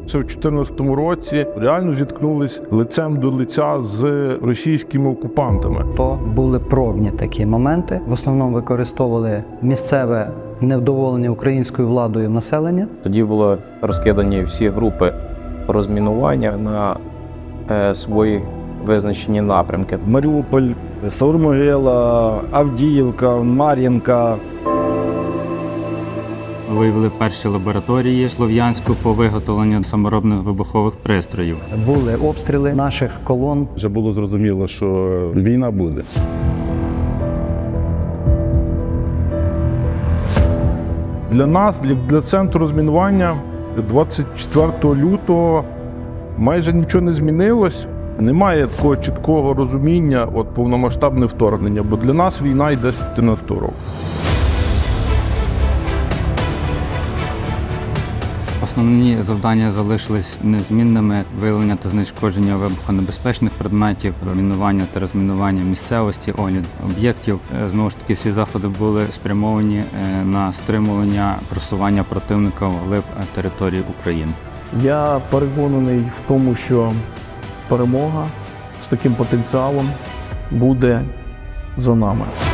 це в 2014 році, реально зіткнулись лицем до лиця з російськими окупантами. То були пробні такі моменти. В основному використовували місцеве невдоволення українською владою населення. Тоді були розкидані всі групи розмінування на свої визначені напрямки. Маріуполь, Савромогила, Авдіївка, Мар'їнка. Виявили перші лабораторії Слов'янську по виготовленню саморобних вибухових пристроїв. Були обстріли наших колон. Вже було зрозуміло, що війна буде. Для нас, для центру розмінування 24 лютого майже нічого не змінилось. Немає такого чіткого розуміння повномасштабне вторгнення, бо для нас війна йде з 2014 року. Основні завдання залишились незмінними: виявлення та знешкодження вибухонебезпечних предметів, мінування та розмінування місцевості, огляд об'єктів. Знову ж таки, всі заходи були спрямовані на стримування просування противника вглиб території України. Я переконаний в тому, що перемога з таким потенціалом буде за нами.